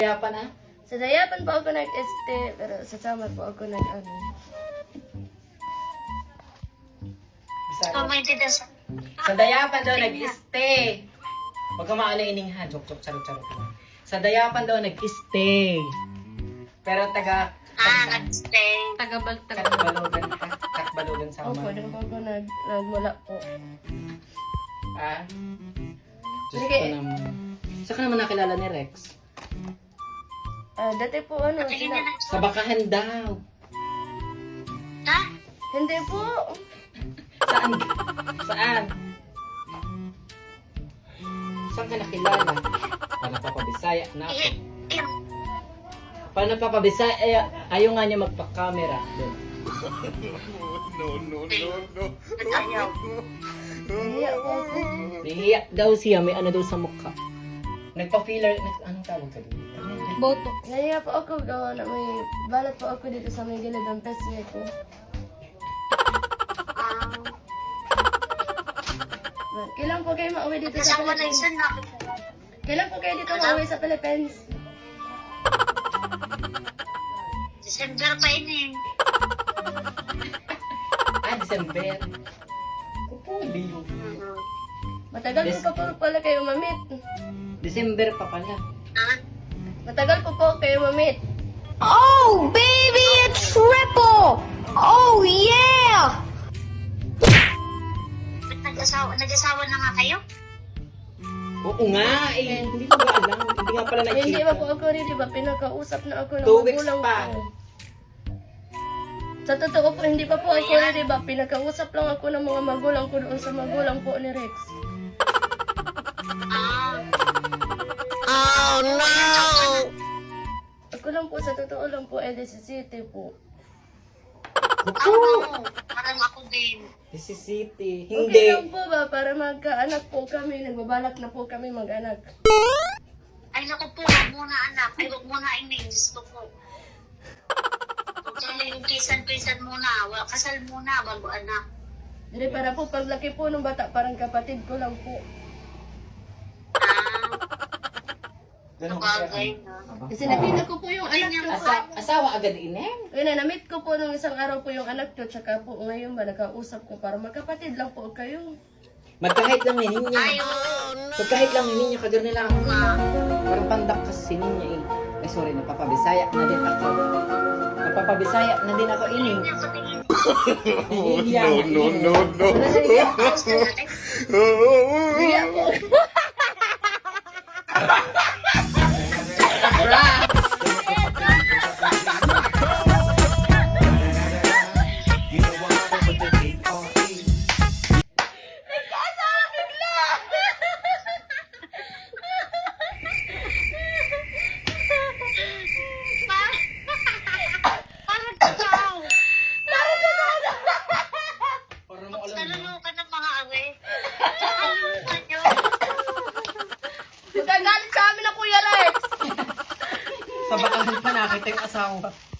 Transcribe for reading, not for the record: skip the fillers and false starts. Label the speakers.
Speaker 1: Dayapan ah?
Speaker 2: Sa dayapan po ako nag-este, pero sa summer po ako nag-ano.
Speaker 1: Bisaya. Sa dayapan daw nag-stay. Huwag ka maano ininghan. Joke, charot. Sa dayapan daw nag-stay. Pero
Speaker 3: nag-stay.
Speaker 1: Takbalogan ha? Takbalogan sa
Speaker 2: Opo,
Speaker 1: mga.
Speaker 2: doon po ako nagmula po.
Speaker 1: Ah? Diyos
Speaker 2: Sige.
Speaker 1: ko naman. Saan ka naman nakilala ni Rex?
Speaker 2: Dati po ano,
Speaker 1: Sa bakahan daw.
Speaker 3: Ha?
Speaker 2: hindi po.
Speaker 1: Saan? Saan? Saan ka nakilala? Paano papabisaya na ako? Paano papabisaya? Ayaw nga niya magpa-camera.
Speaker 4: No.
Speaker 3: Ayaw.
Speaker 2: Nahiya po ako.
Speaker 1: Nahiya daw siya, may ano daw sa mukha. Nagpa-filler, anong tawag ka doon?
Speaker 2: Botox. Nahiya po ako gawa na may balat po ako dito sa may gilid ng pesye ko. Kailan po kayo mauwi dito sa
Speaker 3: Kasama na
Speaker 2: Philippines?
Speaker 3: isa na.
Speaker 2: Kailan po kayo dito mauwi sa Philippines?
Speaker 3: December pa yun eh.
Speaker 1: December. Kupuli yun.
Speaker 2: Matagal po pa po pala kayo mamit.
Speaker 1: December pa pala.
Speaker 2: Matagal po kayo mamit.
Speaker 5: Oh, baby, a triple! Oh, yeah!
Speaker 3: Nag-asawa na nga kayo?
Speaker 1: Oo nga, hindi ko ba alam. Hindi nga pala
Speaker 2: Hindi
Speaker 1: na-check.
Speaker 2: ba po ako rin, di ba? Pinakausap na ako ng
Speaker 1: 2 weeks
Speaker 2: magulang
Speaker 1: pa.
Speaker 2: ko. Sa totoo po, hindi pa po ako rin, di ba? Pinakausap lang ako ng mga magulang ko doon sa magulang po ni Rex.
Speaker 5: Oh, no!
Speaker 2: Ako lang po, sa totoo lang po, LDC City po.
Speaker 3: Parang ako din.
Speaker 1: This is city.
Speaker 2: Okay
Speaker 1: Hindi.
Speaker 2: lang po ba? Para magkaanak po kami, nagbabalak na po kami mag-anak.
Speaker 3: Ay, naku po, huwag muna anak. Ay, huwag muna inin. Gusto ko. Huwag yung kisan muna. Kasal muna bago anak.
Speaker 2: Hindi, para po, paglaki po ng bata, parang kapatid ko lang po.
Speaker 1: Ganun ko siya.
Speaker 3: Bagay na.
Speaker 2: Kasi nakita ko po yung anak ko.
Speaker 1: Asawa agad inem?
Speaker 2: Ngayon, na-meet ko po nung isang araw po yung anak ko, tsaka po ngayon ba, nakausap ko para magkapatid lang po kayo.
Speaker 1: Magkahit lang ni Ninya.
Speaker 3: Ayaw.
Speaker 1: Magkahit lang ni Ninya. Kagar nila ako. Parang pandak kasi si Ninya eh. Ay sorry, napapabisaya na din ako. Napapabisaya na din ako ini.
Speaker 4: No.
Speaker 2: Kaya po.
Speaker 3: Parang ikaw.
Speaker 1: Parang mo alam mo.
Speaker 3: Naluluka ng mga awe. Naluluka nyo.
Speaker 2: Magagalit sa amin na Kuya Rex.
Speaker 1: Sa bakahan pa nakita yung asawa.